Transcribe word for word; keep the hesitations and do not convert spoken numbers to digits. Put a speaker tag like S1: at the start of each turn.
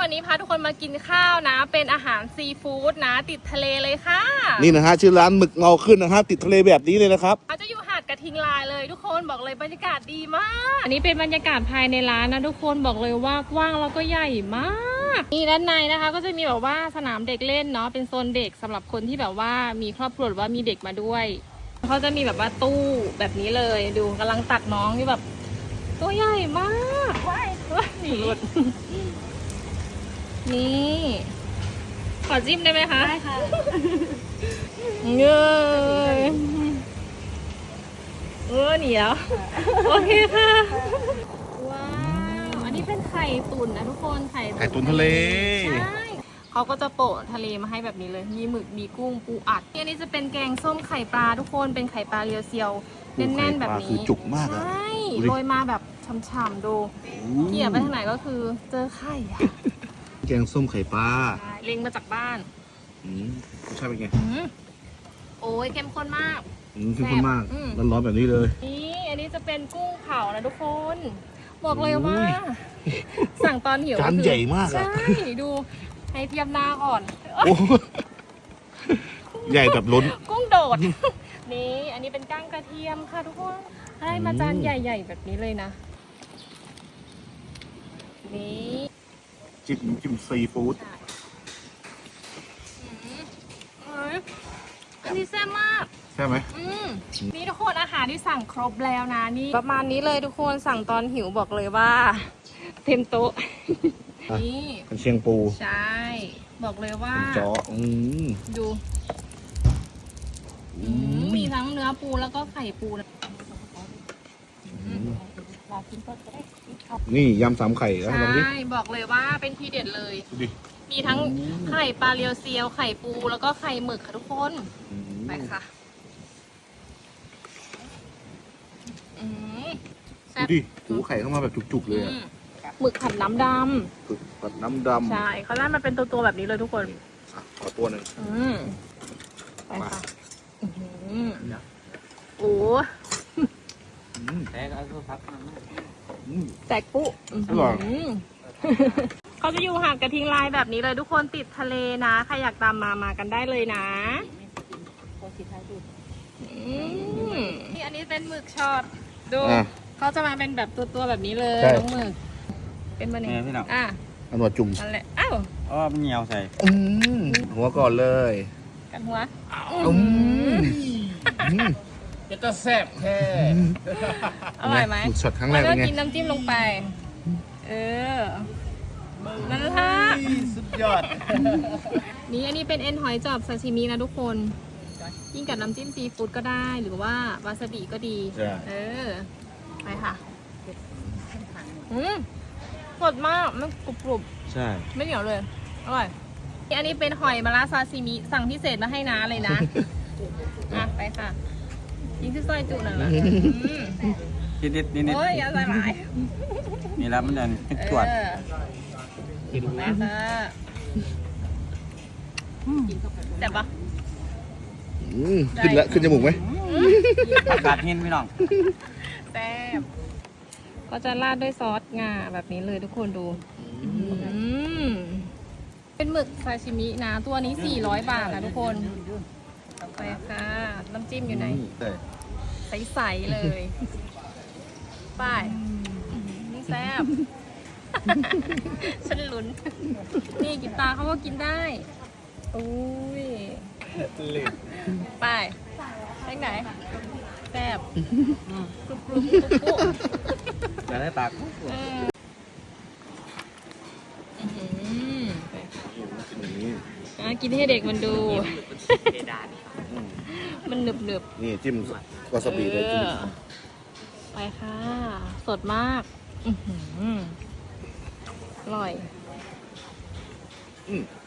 S1: วันนี้พาทุกคนมากินข้าวนะเป็นอาหารซีฟู้ดนะติดทะเลเลยค่ะ
S2: นี่นะฮะชื่อร้านหมึกเงาขึ้นนะฮะติดทะเลแบบนี้เลยนะครับ
S1: เขาจะอยู่หาดกระทิงลายเลยทุกคนบอกเลยบรรยากาศดีมากอันนี้เป็นบรรยากาศภายในร้านนะทุกคนบอกเลยว่ากว้างแล้วก็ใหญ่มากนี่ด้านในนะคะก็จะมีแบบว่าสนามเด็กเล่นเนาะเป็นโซนเด็กสำหรับคนที่แบบว่ามีครอบครัวหรือว่ามีเด็กมาด้วยเขาจะมีแบบว่าตู้แบบนี้เลยดูกำลังตักน้องที่แบบตัวใหญ่มากว้ายหลุดนี่ขอจิ้มได้ไหมคะได้ค่ะเงยเออเหนียวโอเคค่ะว้าวอันนี้เป็นไข่ตุ๋นนะทุกคนไข่
S2: ไข่ตุ๋นทะเล
S1: ใช่เขาก็จะโปะทะเลมาให้แบบนี้เลยมีหมึกมีกุ้งปูอัดอันนี้จะเป็นแกงส้มไข่ปลาทุกคนเป็นไข่ปลาเรียวเซียวแน่นๆแบบนี้
S2: คือจุกมาก
S1: ใช่โรยมาแบบฉ่ำๆดูเกี่ยไปทางไหนก็คือเจอไข่
S2: แกงส้มไข่ปลา
S1: เล็งมาจากบ้าน
S2: อืมรสชาติเป็นไง
S1: โอ้ยเข้มข้นมาก
S2: อืมเข้มข้นมากร้อนๆแบบนี้เลย
S1: นี่อันนี้จะเป็นกุ้งเผานะทุกคนบอกเลยว่าสั่งตอนหิว
S2: จานใหญ่มากอะ
S1: ใช่ดูให้เทียบหน้าก่อน
S2: ใหญ่แบบล้น
S1: กุ้งโดดนี่อันนี้เป็นก้างกระเทียมค่ะทุกคนให้มาจานใหญ่ๆแบบนี้เลยนะนี่
S2: จิ้มจิ้มซีฟู้ด
S1: อันนี้แซ่บมาก
S2: ใช่ไหม
S1: นี่ทุกคนอาหารที่สั่งครบแล้วนะนี่ประมาณนี้เลยทุกคนสั่งตอนหิวบอกเลยว่าเต็มโต๊ะนี่
S2: เป็นเชียงปู
S1: ใช่บอกเลยว่า
S2: จ้อ
S1: ดูมีทั้งเนื้อปูแล้วก็ไข่ปู
S2: นี่ยำสามไข่แล้ว
S1: ใช่บอกเลยว่าเป็นทีเด็ดเลยมีทั้งไข่ปลาเรียวเซียวไข่ปูแล้วก็ไข่หมึกค่ะทุกคนไปค่ะ
S2: ดูดิหูไข่เข้ามาแบบจุกๆเลยอะ
S1: หมึกผัดน้ำดำ
S2: หมึกผัดน้ำดำ
S1: ใช่เขาได้มาเป็นตัวๆแบบนี้เลยทุกคน
S2: ขอตัวหนึ่ง
S1: ไปค่ะโอ้แตกเอาพักแตกปุ๊
S2: อร่อย
S1: เขาจะอยู่ห่างกระทิงลายแบบนี้เลยทุกคนติดทะเลนะใครอยากตามมามากันได้เลยนะนี่อันนี้เป็นหมึกช็อตดูเขาจะมาเป็นแบบตัวๆแบบนี้เลยน้องหมึกเป็นมันเองอ่ะ
S2: อันหัวจุ่ม
S1: นั่นแหละอ้าว
S3: อ๋อมันเหนียวใส่
S2: หัวก่อนเลย
S1: กันหัว
S3: จะต้องแซ่บแท้
S1: อร่อยไหม
S2: หมึกช็อตครั้งแรกเป็นไง
S1: กินน้ำจิ้มลงไปเออนั่นละ
S3: สุดยอด
S1: นี่อันนี้เป็นเอ็นหอยจอบซาชิมินะทุกคนยิ่งกับน้ำจิ้มซีฟู้ดก็ได้หรือว่าวาซาบิก็ดีเออไปค่ะอืมสดมากมันกรุบ
S2: ๆใช่
S1: ไม่เหนียวเลยอร่อยอันนี้เป็นหอยมะระซาซิมิสั่งพิเศษมาให้น้าเลยนะอ่ะไปค่ะยิงที่ซอยจุหน่อยละ
S3: นิดนิดนิดนิด
S1: โอ้ยอย่าใส่หลาย
S3: นี่แล้วมันจะตรวจ
S1: กินดูนะแต่ปะ
S2: ขึ้นแล้วขึ้นจมูกไหม
S3: อากาศเย็นพี่น้อง
S1: แซ่บก็จะราดด้วยซอสงาแบบนี้เลยทุกคนดูเป็นหมึกซาชิมินะตัวนี้สี่ร้อยบาทนะทุกคนไปค่ะน้ำจิ้มอยู่ไหนใสๆเลยไปนี่แซ่บฉันลุ้นนี่กินตาเขาก็กินได้อุ้ยไปไปไหนแซ่บกรุบกรุบกรุบ
S3: จะได้ปาก
S1: กินให้เด็กมันดูมันหนึบหนึบ
S2: นี่จิ้มวาซาบิเลยจิ้ม
S1: ไปค่ะสดมากอร่อย